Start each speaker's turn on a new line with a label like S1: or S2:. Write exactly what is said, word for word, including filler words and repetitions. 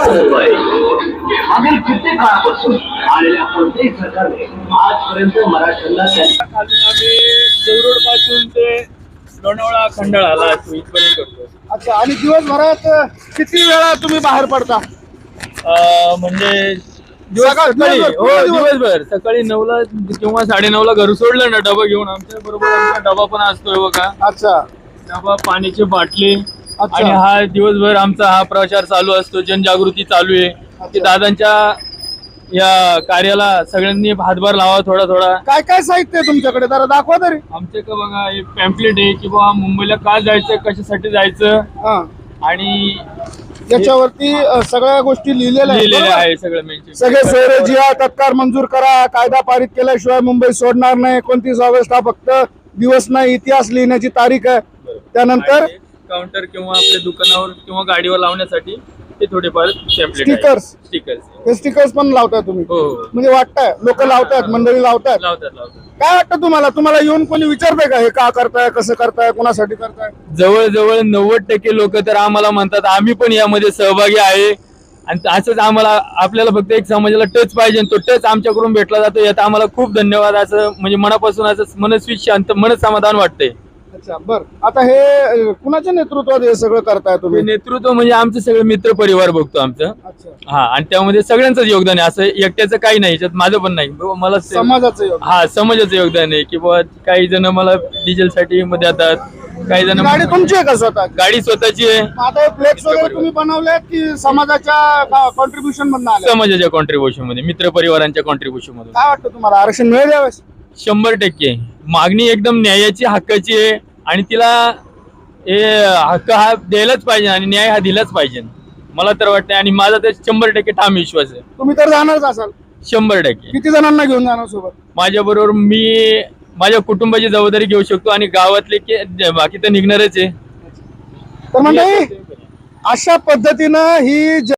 S1: मुंबई मागील कित्येक काळापासून आलेल्या कोणत्याही सरकारने आजपर्यंत मराठ्यांना त्यांच्या
S2: खालून आम्ही देवरोड पासून ते लोणावळा खंडाळाला इथपर्यंत करतो.
S3: अच्छा, आणि दिवसभरात किती वेळा तुम्ही बाहेर पडता?
S2: अं, म्हणजे दिवस
S3: सकाळ-
S2: सकाळी
S3: दिवसभर,
S2: हो
S3: पूर्ण दिवस.
S2: दिवसभर सकाळी नऊला किंवा साडे नऊला घर सोडलं ना डबा घेऊन, आमच्या बरोबर आमचा डबा पण असतोय बघा.
S3: अच्छा
S2: डबा, पाण्याची बाटली,
S3: अच्छा.
S2: आणि हा दिवसभर आमचा हा प्रचार चालू असतो, जनजागृती चालू आहे की दादांच्या या कार्याला सगळ्यांनी हातभार लावा थोडा थोडा.
S3: काय काय साहित्य आहे तुमच्याकडे, जरा दाखवा तरी.
S2: आमचे का बघा एक पॅम्पलेट आहे की बाबा मुंबईला का जायचं, कशासाठी जायचं,
S3: हा,
S2: आणि
S3: याच्यावरती अ, सगळ्या गोष्टी लिहिलेल्या आहेत,
S2: लिहिलेलं
S3: बरोबर?
S2: आहे सगळं मेन्शन.
S3: सगळे सोयरे जिहा तत्काळ मंजूर करा, कायदा पारित केल्याशिवाय मुंबई सोडणार नाही, एकोणतीस ऑगस्ट हा फक्त दिवस नाही, इतिहास लिहिण्याची तारीख आहे. त्यानंतर
S2: काउंटर किंवा आपल्या दुकानावर किंवा गाडीवर लावण्यासाठी ते थोडेफार टेम्पलेट
S3: स्टिकर्स
S2: स्टिकर्स
S3: हे स्टिकर्स पण लावताय तुम्ही?
S2: हो
S3: म्हणजे वाटतंय लोक लावतायत, मंडळी लावतायत.
S2: लावतात लावतात.
S3: काय वाटतं तुम्हाला? तुम्हाला येऊन कोणी विचारतंय का हे का करताय, कसं करताय, कोणासाठी करताय?
S2: जवळजवळ नव्वद टक्के लोक तर आम्हाला म्हणतात आम्ही पण यामध्ये सहभागी आहे, आणि असंच आम्हाला आपल्याला फक्त एक समाजाला टच पाहिजे, तो टच आमच्याकडून भेटला जातो, यात आम्हाला खूप धन्यवाद. असं म्हणजे मनापासून असं मनस्वी शांत मन समाधान वाटतंय.
S3: अच्छा, बर. आता हे अ, कुणाच्या नेतृत्वात हे सगळं करताय तुम्ही?
S2: नेतृत्व म्हणजे आमचे सगळे मित्र परिवार बघतो आमचं.
S3: अच्छा,
S2: हा, आणि त्यामध्ये सगळ्यांचंच योगदान आहे, असं एकट्याचं काही नाही, याच्यात माझं पण नाही. बाबा मला से-
S3: समाजाचं योगदान.
S2: हा, समाजाचं योगदान आहे की बाबा काही जण मला डिझेल साठी मध्ये येतात, काही जण
S3: गाडी तुमची आहे का स्वतः?
S2: गाडी स्वतःची आहे.
S3: आता फ्लेक्स वगैरे तुम्ही बनवले की समाजाच्या कॉन्ट्रीब्युशन मधून आले?
S2: समाजाच्या कॉन्ट्रीब्युशन मध्ये, मित्र परिवारांच्या कॉन्ट्रीब्युशन मधून.
S3: काय वाटतं तुम्हाला, आरक्षण मिळेल यावेळेस?
S2: शंभर टक्के मागणी एकदम न्यायाची, हक्काची आहे, आणि तिला हे हक्क हा द्यायलाच पाहिजे आणि न्याय हा दिलाच पाहिजे, मला तर वाटतं. आणि माझा तर शंभर टक्के ठाम विश्वास आहे.
S3: तुम्ही तर जाणारच असाल.
S2: शंभर टक्के
S3: किती जणांना घेऊन जाणार सोबत?
S2: माझ्या बरोबर मी माझ्या कुटुंबाची जबाबदारी घेऊ शकतो, आणि गावातले की बाकी तर निघणारच आहे.
S3: तर मंडळी, अशा पद्धतीनं ही